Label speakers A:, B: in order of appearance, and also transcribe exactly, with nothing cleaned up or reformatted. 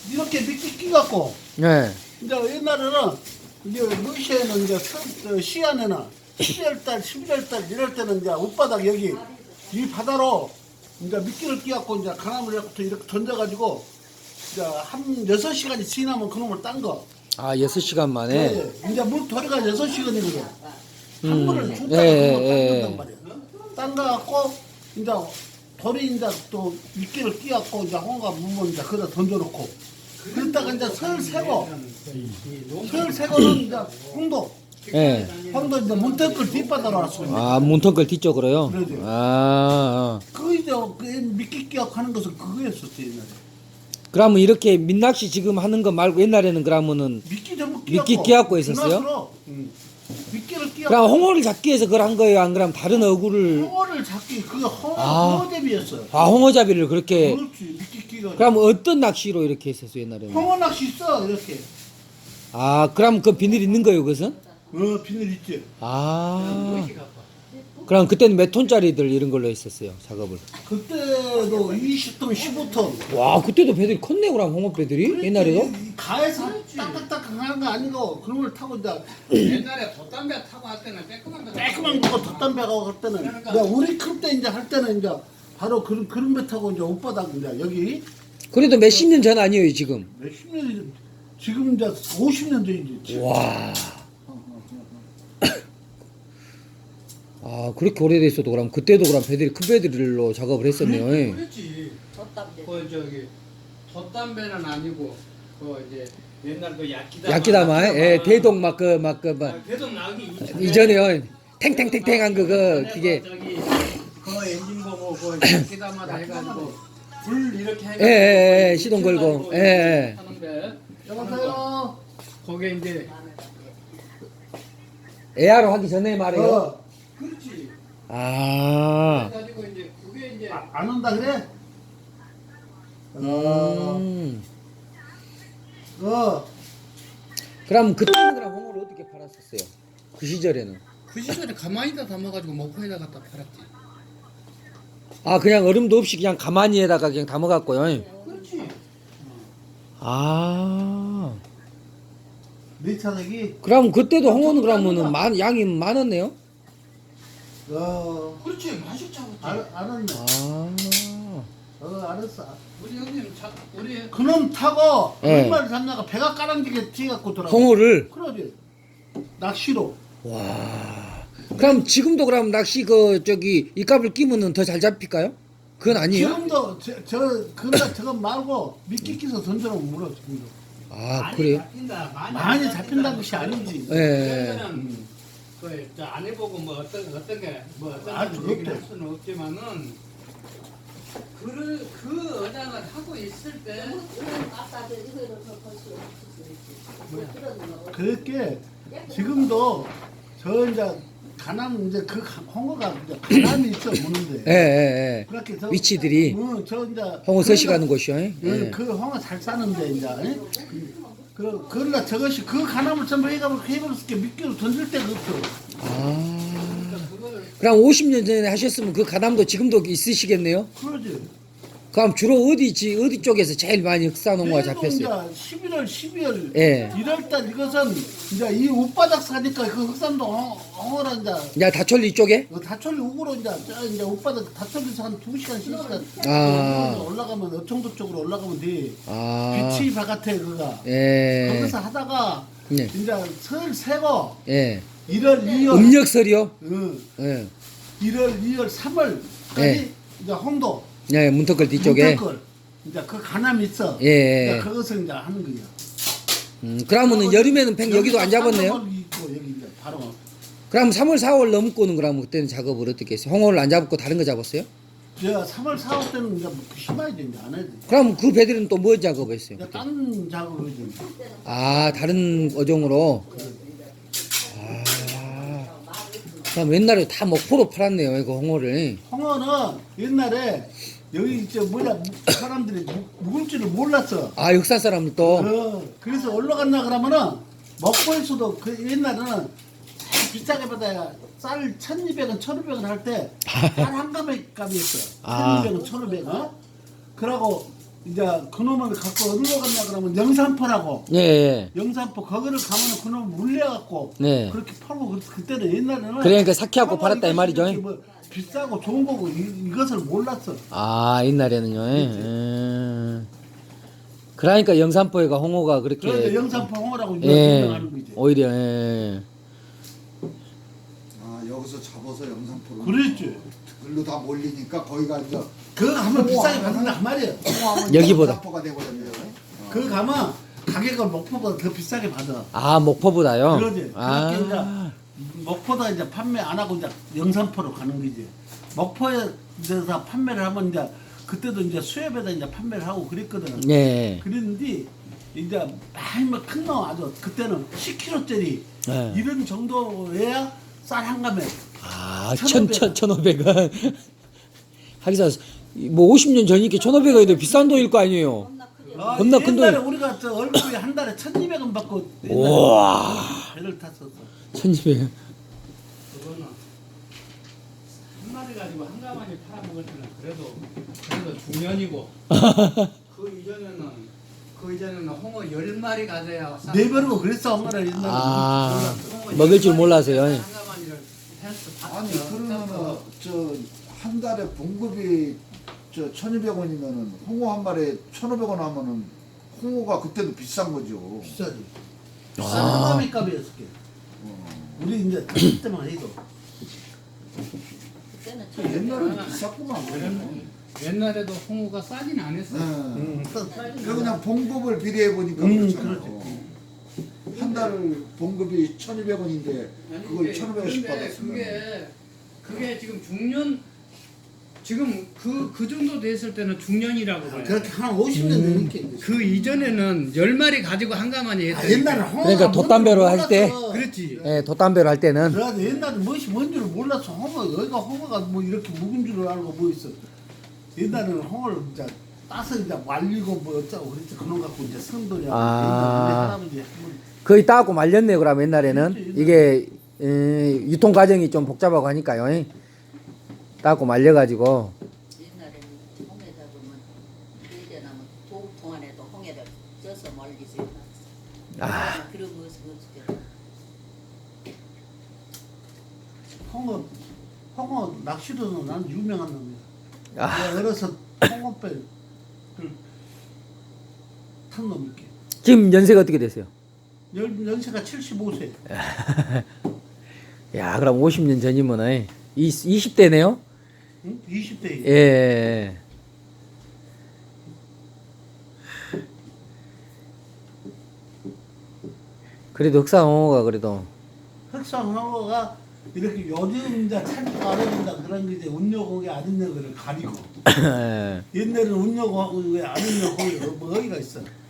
A: 이렇게 미끼 끼갖고
B: 네.
A: 이제 옛날에는 이제 러시아에는 이제 서- 시안에는 십이월 달, 십일월 달 이럴 때는 이제 옷바닥 여기 이 바다로 이제 미끼를 끼갖고 이제 강압을 이렇게 이렇게 던져가지고 이제 한 여섯 시간이 지나면 그놈을 딴 거.
B: 아, 여섯 시간 만에.
A: 네. 이제 물 도리가 여섯 시간이거든. 한
B: 음.
A: 번을 줬다가
B: 예,
A: 그걸
B: 예,
A: 딴단 말이야. 딴 거 갖고 이제 돌이 이제 또 미끼를 끼갖고 이제 홍어가 물면 이제 거기다 던져놓고 그랬다가 이제 설 새고 설 새고는 이제 홍도
B: 예.
A: 홍도 이제 문턱을 뒷바다로 왔어.
B: 아, 문턱걸 뒤쪽으로요?
A: 그러죠.
B: 아, 아.
A: 그 이제 그 미끼 끼갖고 하는 것은 그거였었어 옛날에.
B: 그러면 이렇게 민낚시 지금 하는 거 말고 옛날에는 그러면은
A: 미끼 전부
B: 미끼
A: 끼갖고
B: 끼갖고 있었어요?
A: 그나스로, 응. 미끼를 끼갖고
B: 그럼 홍어를 잡기 위해서 그걸 한 거예요? 안 그럼 다른 어구를
A: 홍어를 잡기 그게 홍어
B: 아.
A: 홍어대비였어요.
B: 아, 홍어잡이를 그렇게
A: 그렇지 미끼 끼가.
B: 그럼 어떤 낚시로 이렇게 했었어요, 옛날에는?
A: 홍어 낚시 있어 이렇게.
B: 아, 그럼 그 비늘 있는 거예요, 그것은?
A: 어 비늘 있지.
B: 아. 그럼 그때는 몇 톤짜리들 이런 걸로 했었어요, 작업을.
A: 그때도 이십 톤, 십오 톤.
B: 와, 그때도 배들이 컸네, 그럼 홍어 배들이? 옛날에도?
A: 이 가에서 딱딱딱 하는 거 아니고 그런 걸 타고 이제
C: 옛날에 돛담배 타고 할 때는 깨끗한 거
A: 깔끔한 거 덧담배 가고 할 때는 이제 우리 클 때 이제 할 때는 이제 바로 그런 그런 배 타고 이제 옷바닥 이제 여기
B: 그래도 몇십 년 전 아니에요, 지금.
A: 몇십 년이 지금 이제 오십 년 전이지.
B: 와. 아, 그렇게 오래됐어도 그럼 그때도 그럼 배들이 큰 배들로 작업을 했었네요. 예.
C: 그렇지.
D: 덧담배.
C: 그 저기 돛담배는 아니고 그 이제 옛날 그 야끼다마.
B: 야끼다마, 예, 대동 막 그 막 그 막
C: 대동 나기
B: 이전에요. 탱탱탱탱한 그거 기계.
C: 저기 그 엔진 보고 그 야끼다마다 해가지고 불 이렇게 해가지고
B: 예, 예, 예, 시동 걸고. 예, 예.
C: 하는데
A: 여보세요.
C: 거기에 이제
B: 에아로 하기 전에 말이에요.
A: 어,
C: 그렇지.
B: 아.
C: 그래가지고 이제 그게 이제
A: 아, 안 온다 그래? 어,
B: 음.
A: 어.
B: 그럼 그때는 그럼 홍어를 어떻게 팔았었어요? 그 시절에는.
C: 그 시절에 가만히다 담아가지고 목포에다 갖다 팔았지.
B: 아, 그냥 얼음도 없이 그냥 가마니에다가 그냥 담아갖고요.
C: 그렇지.
A: 네
B: 아.
A: 차례기.
B: 그럼 그때도 홍어는 그러면은 많 양이 많았네요.
A: 어,
C: 그렇지. 맛이 차고.
A: 알, 알았네.
B: 아.
A: 어, 알았어.
C: 우리 형님 차 우리
A: 그놈 타고
B: 예.
A: 얼마를 잡냐가 배가 까랑지게 뒤갖고 돌아.
B: 홍어를.
A: 그러지. 낚시로.
B: 와. 그럼 지금도 그럼 낚시 그 저기 이값을 끼면은 더 잘 잡힐까요? 그건 아니에요?
A: 지금도 저, 저 그날 저거 말고 미끼 끼서 던져놓으면 물어 지금도.
B: 아, 그래요?
C: 잡힌다. 많이,
A: 많이 잡힌다는 것이 아니지.
B: 예.
C: 는 그안 해보고 뭐 어떤 어떤 게뭐 어떤
A: 아,
C: 걸
A: 그것도.
C: 얘기를 할 수는 없지만은 그를 그 어장을 하고 있을 때
D: 아까 저 이거를 더 벌써
C: 뭐야?
A: 그렇게 지금도 저 이제 가남 이제 그 가- 홍어가 이제 가남이 있어
B: 예,
A: 무는데.
B: 예, 예.
A: 그렇게 저
B: 위치들이
A: 어, 저 이제
B: 홍어 서시
A: 그러니까
B: 가는 곳이요. 예.
A: 그, 그 홍어 잘 싸는데 이제 예? 그 그러나 저것이 그 가남을 전부 해가면 해버렸을 미끼로 던질 데가 없어.
B: 아.
C: 그걸
B: 그럼 오십 년 전에 하셨으면 그 가담도 지금도 있으시겠네요?
A: 그러지.
B: 그럼 주로 어디지, 어디 쪽에서 제일 많이 흑산홍어가
A: 그래도
B: 잡혔어요?
A: 이제 십일월, 십이월,
B: 예.
A: 일월달 이것은 이제 이 옷바닥 사니까 그 흑산도 홍- 홍어라 이제
B: 야, 다촌리 이쪽에?
A: 그 다철리 우구로 이제 저 이제 옷바닥 다철리에서 한 두 시간, 세 시간
B: 아.
A: 올라가면 어청도 쪽으로 올라가면 돼.
B: 아.
A: 빛이 바깥에 그가
B: 예.
A: 거기서 하다가
B: 예.
A: 이제 설 세고
B: 예.
A: 일월, 이월,
B: 음력설이요?
A: 응,
B: 예.
A: 일월, 이월, 삼월까지
B: 예.
A: 이제 홍도
B: 예, 문턱걸 뒤쪽에.
A: 문턱걸. 이제 그 가남이 있어.
B: 예.
A: 이제 그것을 이제 하는 거야.
B: 음, 그러면은 여름에는 팽 여기도 안 잡았네요?
A: 쌍꺼풀 있고 여기 이제 바로.
B: 그럼 삼월, 사월 넘고는 그러면 그때는 작업을 어떻게 했어요? 홍어를 안 잡고 다른 거 잡았어요?
A: 제가 삼월, 사월 때는 이제 뭐 심하게 이제 안 해도 돼.
B: 그럼 그 배들은 또 뭐 작업했어요?
A: 이제
B: 그때?
A: 딴 작업을 이제.
B: 아, 다른 어종으로? 아. 그럼 옛날에 다 목포로 팔았네요, 이거 홍어를.
A: 홍어는 옛날에 여기 저 뭐야 사람들이 묵- 묵을 줄을 몰랐어.
B: 아, 역사 사람은 또.
A: 어, 그래서 올라갔나 그러면은 먹고에서도 그 옛날에는 비싸게 받아야 쌀 천이백 원, 천오백 원 할 때 쌀 한 가마 값이었어.
B: 아.
A: 천이백 원, 천오백 원. 그러고 이제 그놈을 갖고 어디로 갔냐 그러면 영산포라고.
B: 예, 예.
A: 영산포 거기를 가면 그놈 물려갖고
B: 네.
A: 그렇게 팔고 그- 그때는 옛날에는
B: 그러니까 사키하고
A: 정말
B: 팔았다 이
A: 이것이
B: 말이죠.
A: 이렇게 뭐 비싸고 좋은 거고 이, 이것을 몰랐어.
B: 아, 옛날에는요. 예. 음. 그러니까 영산포에가 홍어가 그렇게
A: 그래서 영산포 홍어라고 이제
B: 예.
A: 유명하는 거지.
B: 오히려 예.
E: 아 여기서 잡아서 영상포로
A: 그랬지.
E: 글로 다 몰리니까 거기가 이제
A: 그거 가면 비싸게 받는다 그 말이야.
B: 여기보다.
E: 영상포가 되거든요.
A: 그거 가면 가격을 목포보다 더 비싸게 받아.
B: 아, 목포보다요.
A: 그러지.
B: 아.
A: 그렇게 이제 목포다 이제 판매 안 하고 이제 영산포로 가는 거지. 목포에서 판매를 하면 이제 그때도 이제 수협에다 이제 판매를 하고 그랬거든.
B: 예.
A: 그랬는데 이제 많이 뭐 큰 거 아주 그때는 십 킬로짜리
B: 예.
A: 이런 정도여야 쌀 한 감에
B: 아,
A: 천오백.
B: 천, 천, 천오백 원. 하기사, 뭐 오십 년 전이니까 천오백 원이 더 비싼 돈일 거 아니에요.
A: 아,
B: 겁나 큰
A: 옛날에
B: 돈.
A: 우리가 저 얼굴이 한 달에 천이백 원 받고
B: 우와.
A: 배를 탔었어.
B: 천이백 원.
C: 그거는 한 마리 가지고 한 가마니 팔아먹을 때는 그래도 그래도 중년이고 그 이전에는 그 이전에는 홍어 열 마리 가져야 쌀-
A: 네 배로 그랬어 엄마는 옛날에.
B: 아,
C: 홍어
B: 먹을 줄
C: 열 마리
B: 몰라서요.
C: 가져야 한 가마니를 헬스
E: 아니
C: 샀죠.
E: 그러면은 저 한 달에 봉급이 저 천이백 원이면은 홍어 한 마리에 천오백 원 하면은 홍어가 그때도 비싼 거죠.
A: 비싸지.
B: 아.
A: 싼 감이 값이었을 게.
E: 어.
A: 우리 이제 그때만 해도.
D: 그때는
E: 그 옛날에는 비쌌구만.
C: 그러면 옛날에도 홍어가 싸진 않았어.
E: 네.
A: 음,
E: 그래서 그냥 봉급을 비례해 보니까
A: 음,
E: 그렇잖아요. 한 달 봉급이 천이백 원인데 그걸 천오백 원씩 받았으면
C: 그게 그게 지금 중년 지금 그 그 정도 됐을 때는 중년이라고 그래.
A: 그렇게 한 오십 년 되니까.
C: 그 이전에는 열 마리 가지고 한 가마니
A: 아,
C: 했다.
A: 옛날에 홍어가
B: 그러니까 돛담배로 할 때.
C: 그렇지.
B: 예, 돛담배로 할 때는.
A: 그래가지고 옛날에 무엇이 뭔 줄을 몰랐어. 홍어, 여기가 홍어가 뭐 이렇게 묵은 줄을 알고 뭐 있어. 옛날에는 홍어를 이제 따서 이제 말리고 뭐 어쩌고 그랬지. 그놈 갖고 이제 선돌이 하고.
B: 아.
A: 우리 할아버지 뭐
B: 거의 따고 말렸네요, 그럼 옛날에는. 이게, 에, 유통 과정이 좀 복잡하고 하니까요. 예. 따고 말려가지고.
D: 옛날에는 홍해 잡으면 그때나면 도읍통 안에도 홍해를 쪄서 멀리서
B: 아.
D: 해놨어. 그런 모습 없을
A: 홍어, 홍어 낚시로는 난 유명한 놈이야.
B: 아.
A: 내가 어려서 홍어배를 탄 놈이게.
B: 지금 연세가 어떻게 되세요?
A: 연, 연세가 칠십오 세.
B: 야, 그럼 오십 년 전이면, 이십 대네요?
A: 응? 이십 대.
B: 예. 그래도 흑사홍어가 그래도.
A: 흑성홍어가 이렇게 요즘 이제 찾기가 어려운다 그런 게 이제 운여고기 안 있는 거를 가리고
B: 예.
A: 옛날에는 운여고하고 왜 안 있는 고기 뭐 어디가 있어.